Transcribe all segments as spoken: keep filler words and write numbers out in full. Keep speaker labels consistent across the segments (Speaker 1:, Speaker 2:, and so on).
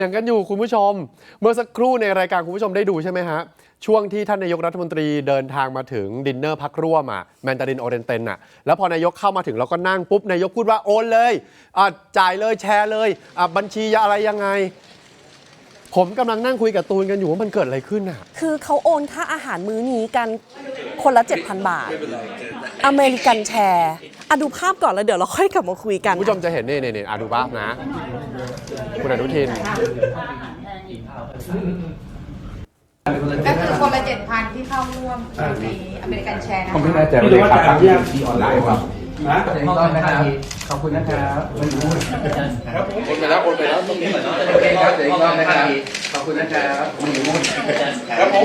Speaker 1: อย่างกันอยู่คุณผู้ชมเมื่อสักครู่ในรายการคุณผู้ชมได้ดูใช่ไหมฮะช่วงที่ท่านนายกรัฐมนตรีเดินทางมาถึงดินเนอร์พักร่วมอ่ะแมนดารินโอเรนเตนอ่ะแล้วพอนายกเข้ามาถึงเราก็นั่งปุ๊บนายกพูดว่าโอนเลยอ่ะจ่ายเลยแชร์เลยอ่ะบัญชีอะไรยังไงผมกำลังนั่งคุยกับตูนกันอยู่ว่ามันเกิดอะไรขึ้นอ่ะ
Speaker 2: คือเขาโอนค่าอาหารมื้อนี้กันคนละ เจ็ดพัน บาทอเมริกันแชร์อ่ะดูภาพก่อนแล้วเดี๋ยวเราค่อยกลับมาคุยกัน
Speaker 1: คุณผู้ชมจะเห็นนี่นี่นี่อ่ะดูภาพนะคุณอนุทิน
Speaker 3: ก็คือคนละเจ็ดพันที่เข้าร่วมในอเมริกันแชร์นะคะ
Speaker 4: ผมไม่แน่ใจว่าจ่ายที่ที่ออนไลน์ครับนะต้นนะครับขอบคุณนะครับโอนไปแล้วโอนไปแล้วตรงนี้เหมือนโอเคครับเดี๋ยวอีกรอบนะครับขอบคุณนะครับครับผม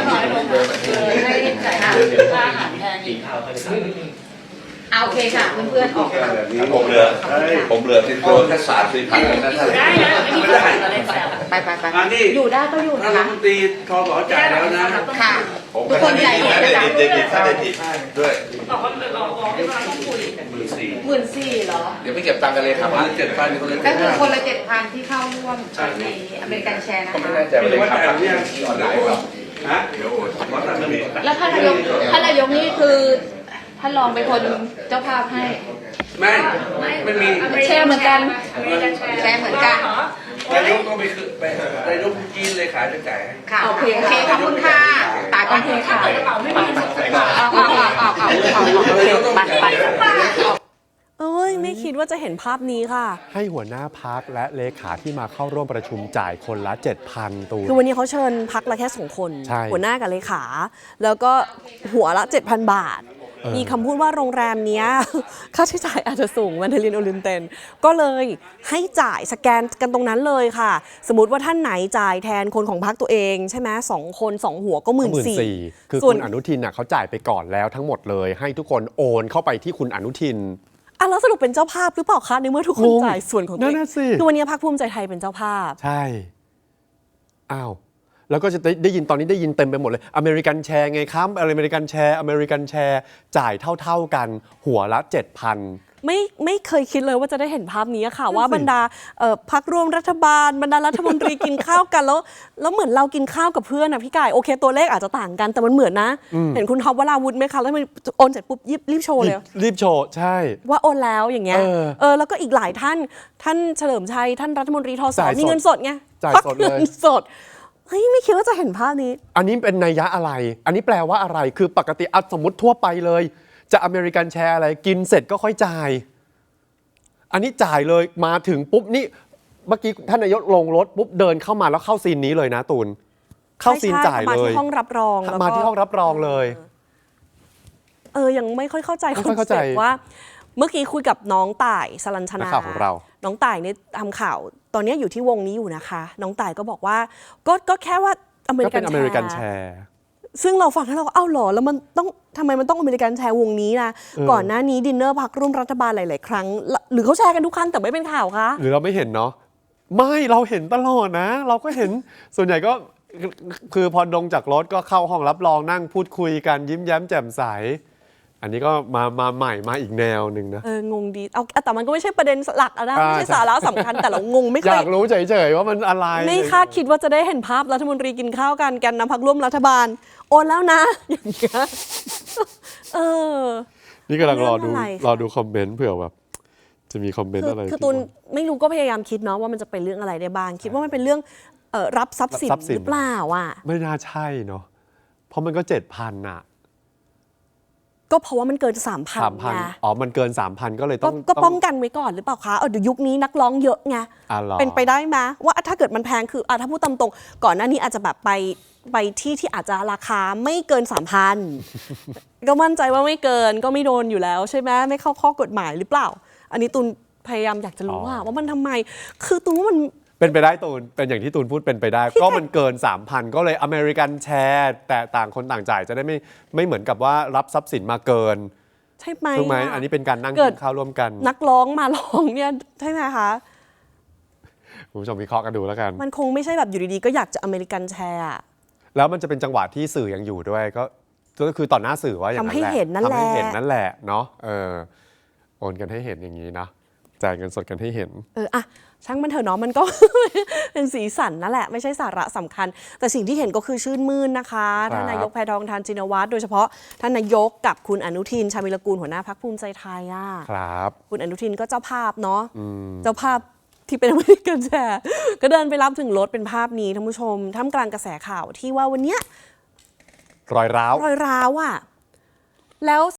Speaker 3: เอาโอเคค่ะเพื่อนๆออก
Speaker 5: ผมเหลือผมเหลือติดตัวแค่สามสี่พันนั่นเองไม่ได้
Speaker 3: ไปไปไปอยู่ได้ก็อยู่นะ
Speaker 4: รัฐมนตรีทอสอจ่ายแล้วนะ
Speaker 3: ค่ะ
Speaker 5: ทุกคนใหญ่ได้ติดได้ติดได้ติดด้วย
Speaker 3: บอกว่าเราบอกให้เราต้องคุยหมื่นสี่หมื่นสี่เหรอ
Speaker 5: เดี๋ยวไม่เก็บตังค์กันเลยครับว่าเจ็ดพันคนละ
Speaker 3: ก็คือคนละเจ็ดพันที่เข้าร่วมในอเมริกันแชร์นะคะ
Speaker 5: ไม่แน่ใจว่าจ่ายที่ออนไลน์ครับฮะเดี๋ยว
Speaker 3: แล้วท่านนายกท่านนายกนี่คือท่านรองเป็นคนเจ้าภาพให้
Speaker 4: ไม่ไม่มี
Speaker 3: แชร์เหมือนกันแชร์เหมือนกัน
Speaker 4: นายกต้องไปคือไปนายกจีนเลยขายจะจ่าย
Speaker 3: ค่ะโอเคโอเคขอบคุณค่ะตายก่อนเทค่ะเอาเอาเอาเอาเอาเอาโอเคไปไป
Speaker 2: เอ้ยไม่คิดว่าจะเห็นภาพนี้ค่ะ
Speaker 1: ให้หัวหน้าพักและเลขาที่มาเข้าร่วมประชุมจ่ายคนละ เจ็ดพัน ตูน
Speaker 2: คือวันนี้เขาเชิญพักละแค่สองคนหัวหน้ากับเลขาแล้วก็หัวละ เจ็ดพัน บาทมีคำพูดว่าโรงแรมเนี้ยค่าใช้จ่ายอาจจะสูงแมนดารินโอเรนเตนก็เลยให้จ่ายสแกนกันตรงนั้นเลยค่ะสมมติว่าท่านไหนจ่ายแทนคนของพรรคตัวเองใช่ไหมสองคนสองหัวก็หมื่นสี่
Speaker 1: คือคุณอนุทินน่ะเขาจ่ายไปก่อนแล้วทั้งหมดเลยให้ทุกคนโอนเข้าไปที่คุณอนุทิน
Speaker 2: อ่ะแล้วสรุปเป็นเจ้าภาพหรือเปล่าคะในเมื่อทุกคนจ่ายส่วนของตัวเองคือวันนี้พรรคภูมิใจไทยเป็นเจ้าภาพ
Speaker 1: ใช่อ้าวแล้วก็จะได้ได้ยินตอนนี้ได้ยินเต็มไปหมดเลยอเมริกันแชร์ไงครับอเมริกันแชร์อเมริกันแชร์จ่ายเท่าๆกันหัวละ เจ็ดพัน
Speaker 2: ไม่ไม่เคยคิดเลยว่าจะได้เห็นภาพนี้ค่ะว่าบรรดาพรรคร่วมรัฐบาลบรรดารัฐมนตรีกินข้าวกันแล้วแล้วเหมือนเรากินข้าวกับเพื่อนนะพี่กายโอเคตัวเลขอาจจะต่างกันแต่มันเหมือนนะเห็นคุณท็อปวราวุธไหมคะแล้วมันโอนเสร็จปุ๊บรีบโชว์เลย
Speaker 1: รีบโชว์ใช่
Speaker 2: ว่าโอนแล้วอย่างเงี้ยเออแล้วก็อีกหลายท่านท่านเฉลิมชัยท่านรัฐมนตรีทศมีเงินสดไง
Speaker 1: จ่ายสดเลย
Speaker 2: เงินสดเฮ้ยไม่คิดว่าจะเห็นภาพนี้
Speaker 1: อันนี้เป็นนัยยะอะไรอันนี้แปลว่าอะไรคือปกติสมมติทั่วไปเลยจะอเมริกันแชร์อะไรกินเสร็จก็ค่อยจ่ายอันนี้จ่ายเลยมาถึงปุ๊บนี่เมื่อกี้ท่านนายกลงรถปุ๊บเดินเข้ามาแล้วเข้าซีนนี้เลยนะตูนเข้าซีนจ่ายเลย
Speaker 2: มาที่ห้องรับรอง
Speaker 1: มาที่ห้องรับรองเลย
Speaker 2: เออยังไม่ค่อยเข้าใจคอนเซ็ปต์ว่าเมื่อกี้คุยกับน้องต่ายสลัญชนา
Speaker 1: ของเรา
Speaker 2: น้องต่ายเนี่ยทำข่าวตอนนี้อยู่ที่วงนี้อยู่นะคะน้องต่ายก็บอกว่าก็ก็แค่ว่าอเมริกัน
Speaker 1: แชร์
Speaker 2: ซึ่งเราฟังแล้วเราก็เอ้าหรอแล้วมันต้องทำไมมันต้องอเมริกันแชร์วงนี้นะก่อนหน้านี้ดินเนอร์พักร่วมรัฐบาลหลายๆครั้งหรือเขาแชร์กันทุกครั้งแต่ไม่เป็นข่าวคะ
Speaker 1: หรือเราไม่เห็นเนาะไม่เราเห็นตลอดนะเราก็เห็นส่วนใหญ่ก็คือพอลงจากรถก็เข้าห้องรับรองนั่งพูดคุยกันยิ้มแย้มแจ่มใสอันนี้ก็มามาใหม่มาอีกแนวหนึ่งนะ
Speaker 2: เอองงดีเอาแต่มันก็ไม่ใช่ประเด็นหลักนะไม่ใช่สาระสำคัญแต่เรางงไม่เคย
Speaker 1: อยากรู้เฉยๆว่ามันอะไร
Speaker 2: ไม่คาดคิดว่าจะได้เห็นภาพรัฐมนตรีกินข้าวกันกันนำพรรคร่วมรัฐบาลโอนแล้วนะอย่างเงี้ยเออ
Speaker 1: นี่กำลังรอดูรอดูคอมเมนต์เผื่อแบบจะมีคอมเมนต์อะไร
Speaker 2: คือตูนไม่รู้ก็พยายามคิดเนาะว่ามันจะเป็นเรื่องอะไรได้บ้างคิดว่ามันเป็นเรื่องรับทรัพย์สินหรือเปล่าอ่ะ
Speaker 1: ไม่น่าใช่เนาะเพราะมันก็เจ็ดพันอ่ะ
Speaker 2: ก็เพราะว่ามันเกินสามพันไง
Speaker 1: อ๋อมันเกินสามพันก็เลยต้อง
Speaker 2: ก็ป้องกันไว้ก่อนหรือเปล่าคะเออเดี๋ยวยุคนี้นักร้องเยอะไงเป็นไปได้ไหมว่าถ้าเกิดมันแพงคือถ้าพูดตามตรงก่อนหน้านี้อาจจะแบบไปไปที่ที่อาจจะราคาไม่เกินสามพันก็มั่นใจว่าไม่เกินก็ไม่โดนอยู่แล้วใช่ไหมไม่เข้าข้อกฎหมายหรือเปล่าอันนี้ตูนพยายามอยากจะรู้ว่าว่ามันทำไมคือตูนว่ามัน
Speaker 1: เป็นไปได้ตูนเป็นอย่างที่ตูนพูดเป็นไปได้ก็มันเกิน สามพัน ก็เลยอเมริกันแชร์แต่ต่างคนต่างจ่ายจะได้ไม่ไม่เหมือนกับว่ารับทรัพย์สินมาเกิน
Speaker 2: ใช่ไหม
Speaker 1: ถูกไหมอันนี้เป็นการนั่งกินข้าวร่วมกัน
Speaker 2: นักร้องมาร้องเนี่ยใช่ไหมคะ
Speaker 1: คุณผู้ชมวิเคราะห์กันดูแล้วกัน
Speaker 2: มันคงไม่ใช่แบบอยู่ดีๆก็อยากจะอเมริกันแชร์
Speaker 1: แล้วมันจะเป็นจังหวะที่สื่อยังอยู่ด้วยก็ก็คือต่อหน้าสื่อว่าอย่างนั้นแหละ
Speaker 2: ทำให้เห็นนั่นแหละ
Speaker 1: ทำให้เห็นนั่นแหละเนาะเออโอนกันให้เห็นอย่างนี้นะจ่ายเงินสดกันให้เห็น
Speaker 2: เอออะช่างมันเถอะเนาะมันก็ เป็นสีสันนั่นแหละไม่ใช่สาระสำคัญ แต่สิ่งที่เห็นก็คือชื่นมื่นนะคะท่านนายกแพทองธารชินวัตรโดยเฉพาะท่านนายกกับคุณอนุทินชาญวิรกูลหัวหน้าพรรคภูมิใจไทยอ่ะ
Speaker 1: ครับ
Speaker 2: คุณอนุทินก็เจ้าภาพเนาะเจ้าภาพที่เป็นอเมริกันแชร์ก็เดินไปรับถึงรถเป็นภาพนี้ท่านผู้ชมท่ามกลางกระแสข่าวที่ว่าวันเนี้ย
Speaker 1: รอยร้าว
Speaker 2: รอยร้าวอ่ะแล้ว